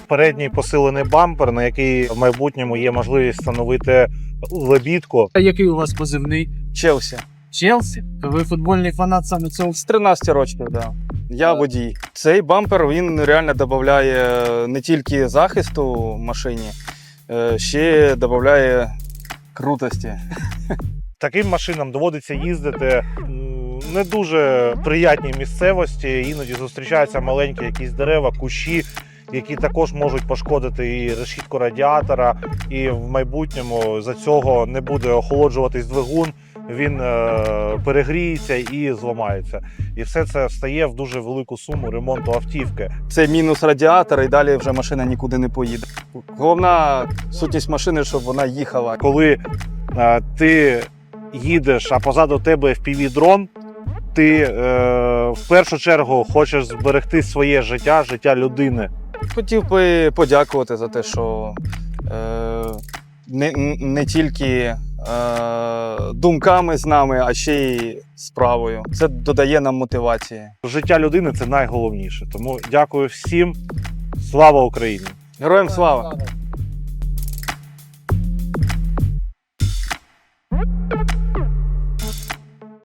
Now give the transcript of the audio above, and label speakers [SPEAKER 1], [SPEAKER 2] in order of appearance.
[SPEAKER 1] передній посилений бампер, на який в майбутньому є можливість встановити лебідку.
[SPEAKER 2] А який у вас позивний?
[SPEAKER 3] Челсі.
[SPEAKER 2] Челсі? Ви футбольний фанат саме цього?
[SPEAKER 3] З 13 років, да. Я водій. Цей бампер, він реально додає не тільки захисту машині, ще додає крутості.
[SPEAKER 1] Таким машинам доводиться їздити не дуже приятній місцевості, іноді зустрічаються маленькі якісь дерева, кущі, які також можуть пошкодити і решітку радіатора, і в майбутньому за цього не буде охолоджуватись двигун, він перегріється і зламається. І все це встає в дуже велику суму ремонту автівки.
[SPEAKER 3] Це мінус радіатора, і далі вже машина нікуди не поїде. Головна сутність машини, щоб вона їхала.
[SPEAKER 1] Коли ти їдеш, а позаду тебе FPV-дрон, ти в першу чергу хочеш зберегти своє життя, життя людини.
[SPEAKER 3] Хотів би подякувати за те, що не тільки думками з нами, а ще й справою. Це додає нам мотивації.
[SPEAKER 1] Життя людини – це найголовніше. Тому дякую всім. Слава Україні!
[SPEAKER 3] Героям слава!